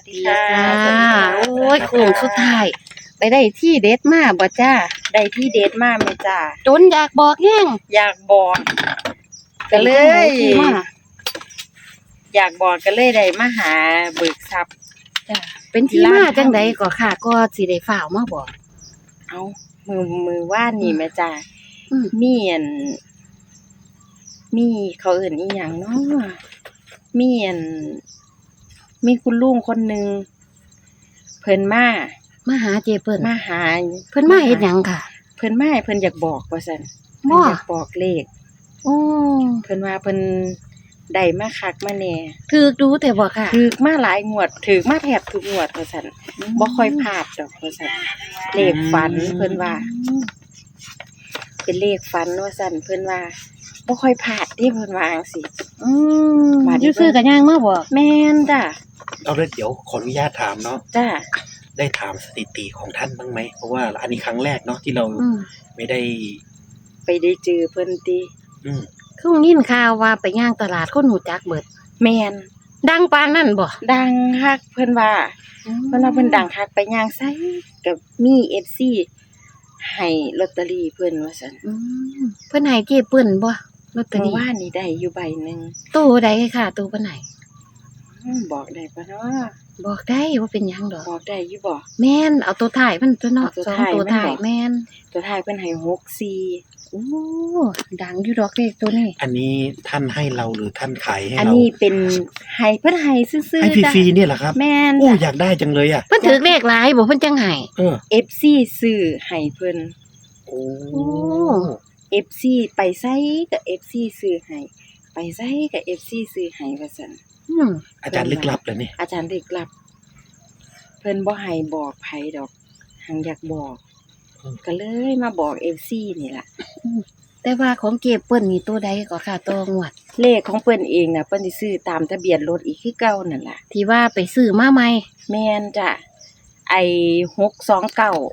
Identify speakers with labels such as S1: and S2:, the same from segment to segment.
S1: ดีค่ะ
S2: จ้าโอ้ยโค้งสุดท้ายไปได้ที่เด็ดมาบ่จ้า
S1: ได้ที่เดทมาไหมจ้า
S2: จนอยากบอกแห้ง
S1: อยากบอกก็เล
S2: ป็นจั่งใด
S1: ย
S2: ที่มา
S1: อยากบอกก็เลยได้มาหาเบิกทรัพย์
S2: จ้าเป็นที่มาจังใดก็ค่ะก็สิได้ฝ่าวมาบอก
S1: เอามือว่านนี่แม่จ้า
S2: อืม
S1: มีอันมีเขาเอื่นอีหยังเนาะมีอันมีคุณลุงคนหนึ่งเพิ่นมา
S2: มาหาเจเปิ้น
S1: มาหา
S2: เพิ่นมาเฮ็ดหยังค่ะ
S1: เพิ่นมาให้เพิ่นอยากบอกว่าซั่น
S2: บ่
S1: เพิ่นอยากบอกเลข
S2: โอ้
S1: เพิ่นว่าเพิ่นได้มาคักมาแหน่
S2: ถูกดูแต่บ่ค่ะ
S1: ถูกมาหลายงวดถูกมาแทบทุกงวดว่าซั่นบ่ค่อยพลาดดอกว่าซั่นเลขฝันเพิ่นว่า เป็นเลขฝันว่าซั่นเพิ่นว่าบ่ค่อยพลาดเด้เพิ่นว่าจังซี่
S2: อืม
S1: บาดนี้
S2: อยู่ซื้อกันย่างมาบอก
S1: แม่นจ้ะ
S3: เอาเลยเดี๋ยวขออนุญาตถามเนาะ
S1: จ้ะ
S3: ได้ถามสถิติของท่านบ้างไหมเพราะว่าอันนี้ครั้งแรกเนาะที่เรา
S2: อืม
S3: ไม่ได้
S1: ไปได้เจอเพิ่นติ
S3: อืม
S2: คือยินข่าวว่าไปย่างตลาดคนหูจักเบิด
S1: แม่น
S2: ดังปานนั้นบ่
S1: ดังคักเพิ่นว่าเพิ่นดังคักไปย่างไสก็มี FC ให้ลอตเตอรี่เพิ่นว่าซั่น
S2: อืมเพิ่นให้เจเปิ้นบ่ลอตเตอ
S1: เมื่อ
S2: รี่
S1: วานนี้ได้อยู่ใบหนึง
S2: ตู้ใดค่ะตู้เพิ่นให้
S1: บอกได้ปะเนาะ
S2: บอกได้ว่าเป็นหยังดอก
S1: บอกได้อยู่บ่
S2: แม่นเอาตัวถ่ายมันตัวเนาะ
S1: เอาตัว
S2: สอง
S1: ถ่าย
S2: ตัว
S1: มัน
S2: ถ่าย
S1: บอก
S2: แม่น
S1: ตัวท้ายเพิ่นให้64
S2: โอ้ดังอยู่ดอกเลขตัวนี้
S3: อันนี้ท่านให้เราหรือท่านขายให้
S1: อัน
S3: เรา
S1: นี้เป็นให้เพิ่นให้ซื่อ
S3: ให้
S1: ๆจ้ะ
S3: ฟรีๆเนี่ยเหรอครับ
S1: แม่น
S3: โอ้
S1: จ้ะ
S3: อยากได้จังเลยอ่ะ
S2: เพิ่นถือเลขหลายบ่เพิ่นจังให้
S3: เออ
S1: FC ซื้อให้เพิ่น
S3: โอ้
S1: FC ไปไสก็ FC ซื้อให้ไปไสก็ FC ซื้อให้ว่าซั่น
S2: อืม
S3: อาจารย์ลึกลับเลยนี่
S1: อาจารย์เด็กลับ เพิ่นบ่ให้บอกไผดอกหังอยากบอก ก็เลยมาบอก FC นี่ล่ะ
S2: แต่ว่าของเก็บเปิ้นนี่ตัวใดก็ค่ะตัวงวด
S1: เลขของเพิ่นเองน่ะเพิ่นสิซื้อตามทะเบียนรถอีกคือเก่านั่นล่ะ
S2: ที่ว่าไปซื้อมาใหม่
S1: แม่นจ้ะไอ้629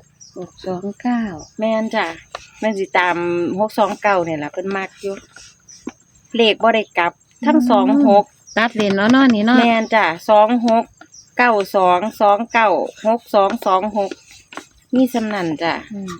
S2: 629
S1: แม่นจ้ะแม่นสิตาม629นี่ล่ะเพิ่นมักอยู่เลขบ่ได้กลับ ทั้ง26
S2: ตัดเลนเนาะเนาะนี่เนาะ
S1: แม่นจ้ะ26 92 29 62 26มีสำนันจ้ะ
S2: อืม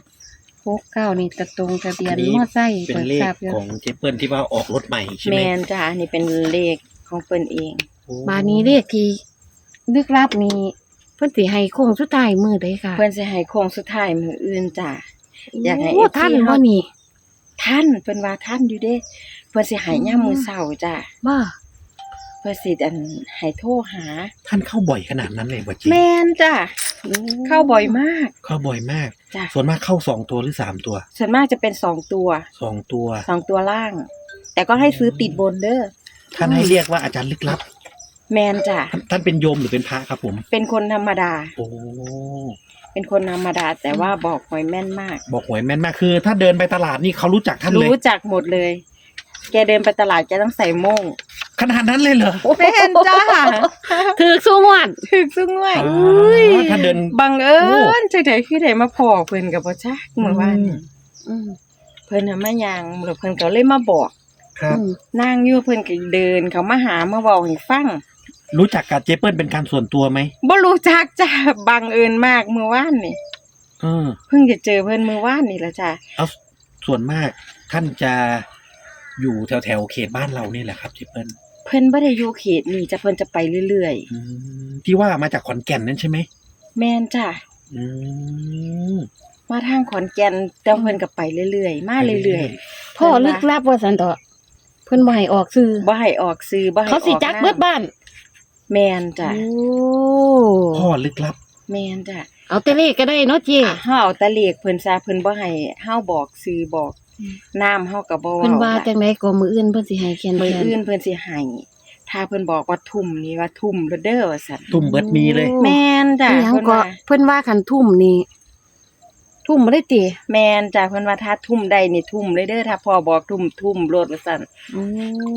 S2: 69นี่ตะตรงทะเบียน
S3: อันนี้
S2: มอไซค์
S3: เป็น
S2: เปิด
S3: เลข
S2: ทราบอยู่
S3: ของเจเปิลที่ว่าออกรถใหม่ใช่ไหม
S1: แม่นจ้ะอันนี้เป็นเลขของเพิ่นเอง
S3: โอ้
S2: บาดนี้เลขที่ลึกลับนี่เพิ่นสิให้โค้งสุดท้ายมื้อใดค่ะ
S1: เพิ่นสิให้โค้งสุดท้ายมื้ออื่นจ้ะ อยากให้
S2: โอ้
S1: FC
S2: ท่านบ่นี่
S1: ท่านเพิ่นว่าท่านอยู่เด้เพิ่นสิให้ยามมื้อเช้าจ้ะ
S2: บ่
S1: เพิ่นสิให้โทรหา
S3: ท่านเข้าบ่อยขนาดนั้นเลยบ่จี
S1: แม่นจ้ะเข้าบ่อยมาก
S3: เข้าบ่อยมาก
S1: จ้ะ
S3: ส่วนมากเข้า2 ตัวหรือ3 ตัว
S1: ส่วนมากจะเป็น2ตัว
S3: 2 ตัว
S1: 2ตัวล่าง แต่ก็ให้ซื้อติดบนเด้อ
S3: ท่านให้เรียกว่าอาจารย์ลึกลับ
S1: แม่นจ้ะ
S3: ท่านเป็นโยมหรือเป็นพระครับผม
S1: เป็นคนธรรมดา
S3: โอ้
S1: เป็นคนธรรมดา แต่ว่าบอกหวยแม่นมาก
S3: บอกหวยแม่นมากคือ ถ้าเดินไปตลาดนี่เขารู้จักท่านเลย
S1: รู้จักหมดเลย แกเดินไปตลาดแกต้องใส่โม่ง
S3: ขนาดนั้นเลยเหรอ
S1: แม่นจ้า
S2: ถือสู้งวด
S1: ถึกซึ่งด้วย
S3: อ๋อท่านเดิน
S1: บังเอิ
S3: โอ้
S1: ญจังได๋คือได้มาพอเพิ่นก็บ่จักเมื่อวานนี้
S2: อืม
S1: เพิ่นน่ะมาย่างแล้วเพิ่นก็เลยมาบอก
S3: ครับ
S2: อืม
S1: นั่งอยู่เพิ่นก็เดินเขามาหามาเว้าให้ฟัง
S3: รู้จักกับเจเปิลเป็นการส่วนตัวไหม
S1: บ่รู้จักจ้าบังเอิญมากเมื่อวานนี่
S3: เออ
S1: เพิ่งจะเจอเพิ่นเมื่อวานนี่ล่ะจ้า
S3: เอาส่วนมากท่านจะอยู่แถวๆเขตบ้านเรานี่แหละครับเจเปิล
S1: เพิ่นบ่ได้อยู่เขตนี้จ้ะเพิ่นจะไปเรื่อย
S3: ที่ว่ามาจากขอนแก่นนั่นใช่ไหม
S1: ๆแม่นจ้า
S3: อืม
S1: มาทางขอนแก่นแต่เพิ่นก็ไปเรื่อยๆมาเรื่อย
S2: พ่อลึกลับว่าซั่นเถาะเพิ่นบ่ให้ออกซื้อ
S1: ๆบ่ให้ออกสื่อบ่ให้อ
S2: เขา
S1: อก
S2: สิจักเบิดบ้าน
S1: แม่นจ้ะ
S2: โอ้
S3: พ่อลึกลับ
S1: แม่นจ้ะ
S2: เอาแต่เลขก็ได้เนาะเจ
S1: เฮาเอาแตะเลขเพิ่นซะเพิ่นบ่ให้เฮาบอกสื่อบอกน้ำเฮาก็บ่
S2: เพิ่นว่า
S1: เว้า
S2: จังไดก็มื้ออื่นเพิ่นสิให้เขียน
S1: มื้อ
S2: แทน
S1: อื่นเพิ่นสิให้ถ้าเพิ่นบอกว่าทุ่มนี่ว่าทุ่มแล้วเด้อว่าซั่น
S3: ตุ่มเบิดมีเลย
S1: แม่นจ้ะ
S2: อิหยัง
S1: เพิ่น
S2: ก็
S1: ว่า
S2: เพิ่นว่าคันทุ่มนี่ทุ่มบ่ได้ติ
S1: แม่นจ้ะเพิ่นว่าถ้าทุ่มได้นี่ทุ่มเลยเด้อถ้าพ่อบอกทุ่มโลดว่าซั่น
S2: โอ้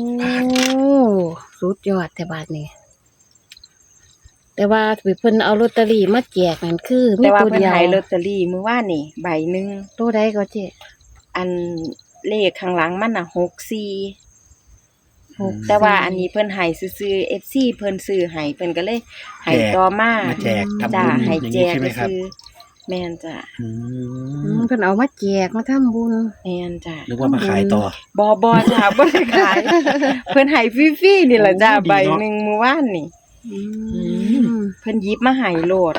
S2: สุดยอดแต่บาดนี้ แต่ว่าเพิ่นเอาลอตเตอรี่มาแจกนั่นคือมี
S1: แต่ว่า
S2: ตัว
S1: เพิ่น
S2: เดียว
S1: ให้ลอตเตอรี่มื้อวานนี่ใบหนึง
S2: ตัวใดก็เจ๊
S1: อันเลขข้างหลังมันน่ะ64 แต่ว่าอันนี้เพิ่นให้ซื่อๆ FC เพิ่นซื้อให้เพิ่นก็เลยให้ต่อมา
S3: มาแจกทำ
S1: จ้า
S3: บุญ
S1: ให้
S3: อย่าง
S1: แจ
S3: นี้
S1: ก
S3: ใช่ไหมครับ
S1: ซื้อแม่นจ้ะ
S3: อื
S2: เพิ่นเอามาแจกมาทำบุญ
S1: แม่นจ้ะ
S3: นึกว่ามาขายต่อ
S1: บ่จ้ะบ่ได้ขาย เพิ่นให้ฟรีๆนี่ล่ะจ้า
S3: โอ้ดี
S1: ใบ
S3: เนาะ
S1: หนึงเมื่อวานนี่ เพิ่นหยิบมาให้โลด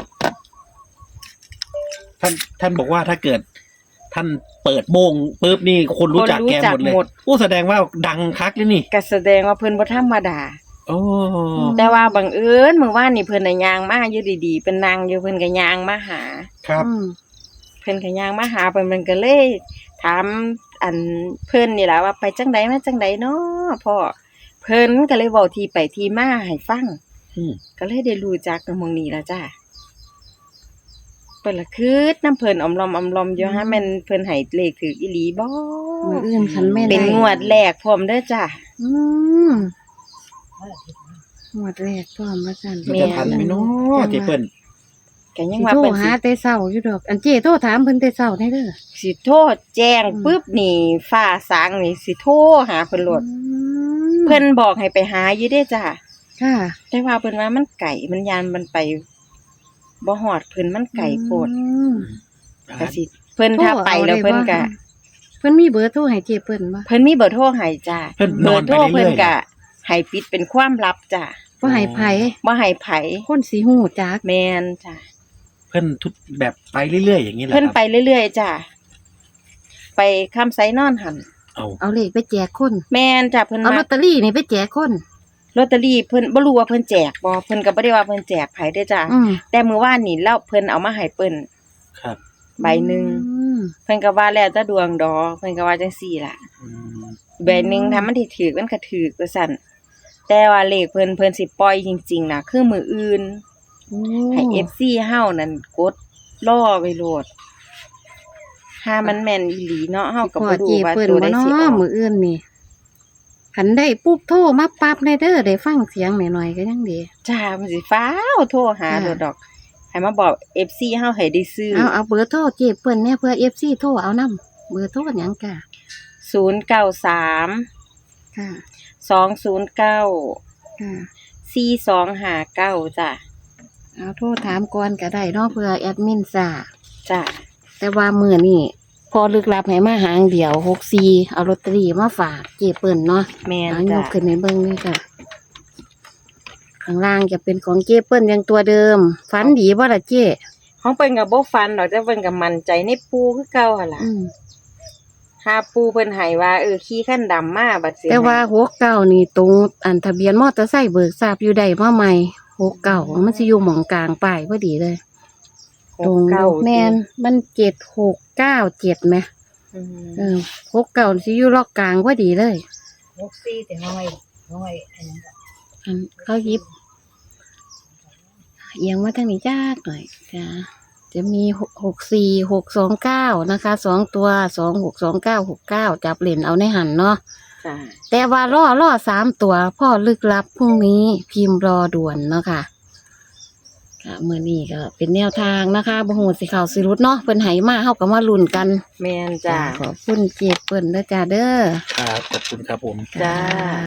S3: ท่านบอกว่าถ้าเกิด ท่านเปิดโมงปุ๊บนี่คนรู้จักแกหมดเลยโอ้แสดงว่าดังคักเลยนี่
S1: ก็แสดงว่าเพิ่นบ่ธรรมดา
S3: โอ้
S1: แต่ว่าบังเอิญเมื่อวานนี่เพิ่นน่ะย่างมาอยู่ดีๆเป็นนางอยู่เพิ่นก็ย่างมาหา
S3: ครับ
S1: เพิ่นก็ย่างมาหาเพิ่นมันก็เลยถามอันเพิ่นนี่ล่ะว่าไปจังไดมาจังไดเนาะพ่อเพิ่นก็เลยเว้าที่ไปที่มาให้ฟัง
S3: อืม
S1: ก็เลยได้รู้จักกับหม่องนี้ล่ะจ้าเพิ่นละคืดน้ำเพิ่นออมลอมอยู่ฮะแม่นเพิ่นให้เลขถูกอีหลีบ่
S2: มื้ออื่นคันแม่น
S1: เป็นงวดแรกพร้อมเด้อจ้า
S2: อืมงวดแรกพร้อมว่าซั่น
S3: มันจะทันไหมเนาะเจเปิ้ล
S1: ก็ยั
S2: สิ
S1: งว่า
S2: โทร
S1: เพิ่น
S2: หา
S1: สิ
S2: แต่เช้าอยู่ดอก อันเจ้โทรถามเพิ่นแต่เช้าได้เด้อ
S1: สิโทรแจ้งปึ๊บนี่ฟ้าสางนี่สิโทรหาเพิ่นโลด เพิ่นบอกให้ไปหาอยู่เด้จ้า
S2: ค่ะ
S1: แต่ว่าเพิ่นว่ามันไกลมันยานมันไปบ่ฮอดเพิ่นมันไกลโพดก็สิเพิ่นถ้าไปแล้วเพิ่นก็
S2: เพิ่นมีเบอร์โทรให้เจ้เปิ้นบ่
S1: เพิ่นมีเบอร์โทรให้จ้า
S3: เพิ่นน
S1: เบ
S3: อ
S1: อน ร์
S3: ไป
S1: โทร
S3: เรื่
S1: เพิ่น
S3: อยๆ
S1: ก็ให้ปิดเป็นความลับจ้า
S2: บ่ให้ไผ
S1: บ่ให้ไผ
S2: คนสิฮู้จัก
S1: แม่นจ้า
S3: เพิ่นทุกแบบไปเรื่อยๆอย่างนี้แหละ
S1: เพิ่น
S3: ครับ
S1: ไปเรื่อยๆจ้าไปคำไสนอนหั่น
S3: เอา
S2: เอาเลขไปแจกคน
S1: แม่นจ้าเพิ่น
S2: เอาล
S1: มา
S2: อตเตอรี่นี่ไปแจกคน
S1: ลอตเตอรี่เพิ่นบ่รู้ว่าเพิ่นแจกบ่เพิ่นก็บ่ได้ว่าเพิ่นแจกไผเด้อจ้า
S2: อืม
S1: แต่มื้อวานนี่แล้วเพิ่นเอามาให้เปิ้น
S3: ครับ
S1: ใบหนึง
S2: อืม
S1: เพิ่นก็ว่าแล้วแต่ดวงดอกเพิ่นก็ว่าจังซี่ล่ะ
S3: อืม
S1: ใบหนึงถ้ามันสิถูกมันก็ถูกว่าซั่นแต่ว่าเลขเพิ่นสิปล่อยจริงๆน่ะคือมื้ออื่น
S2: โอ้
S1: ให้ FC เฮานั่นกดรอไว้โลดถ้ามันแม่นอีหลีเนาะเฮาก็
S2: พอ
S1: บ่รู้
S2: เจ้
S1: ว่า
S2: เปิ้น
S1: ตัว
S2: บ่
S1: ใด
S2: เนา
S1: สิออะ ก
S2: มื้ออื่นนี่คันได้ปุ๊บโทรมาปั๊บได้เด้อได้ฟังเสียงหน่อยๆก็ยังดี
S1: จ้ามันสิฟ้าวโทรหาโลดดอกให้มาบอก FC เฮาให้ได้ซื้อ
S2: เอาเบอร์โทรเจ้เปิ้นเนี่ยเพื่อ FC โทรเอานํเบอร์โทรหยังกะ
S1: 093
S2: ค่ะ
S1: 209
S2: ค่ะ
S1: 4259จ้ะ
S2: เอาโทรถามก่อนก็ได้เนาะเพื่อแอดมินทราบ
S1: จ้ะ
S2: แต่ว่ามื้อนี้พอลึกลับให้มาหางเดียว64เอาลอตเตอรี่มาฝากเจ้เปิ้นเนาะ
S1: แม่น
S2: เอาย
S1: จ้ะ
S2: กขึ้นให้เบิ่งนี่ค่ะ ข้างล่างจะเป็นของเจ้เปิ้นยังตัวเดิม ฝันดีบ่ล่ะเจ้
S1: ของเพิ่นก็บ่ฟันดอกแต่เพิ่นก็มั่นใจในปูคือเก่าหั่นล่ะ
S2: อืม
S1: หาปูเพิ่นให้ว่าขี่คันดำมาบัดสิ
S2: แต่ว่า69นี่ตรงอันทะเบียนมอเตอร์ไซค์เบิกทราบอยู่ใดมาใหม่69มันสิอยู่หม่องกลางป้ายพอดีเลย ตรง
S1: 69
S2: แม่นมัน7697ไหม
S1: อืม
S2: 69สิอยู่ล็อกกลางพอดีเลย
S1: 64แต่น้อยอันนั้น
S2: อันเขาหยิบเอียงมาทางนี้จ้าหน่อยจ้าจะมี64629นะคะ2ตัว262969จับเล่นเอาในหันเนาะ
S1: จ้ะ
S2: แต่ว่าล่อ3ตัวพ่อลึกลับพรุ่งนี้พิมพ์รอด่วนเนาะค่ะค่ะมื้อนี้ก็เป็นแนวทางนะคะบ่ฮู้สิเข้าสิรุดเนาะเพิ่นให้มาเฮาก็มาลุ้นกัน
S1: แม่นจ้ะ
S2: ขอบคุณเจ็บเปิ้นเด้อจ้าเด้อ
S3: ครับขอบคุณครับผม
S1: จ้า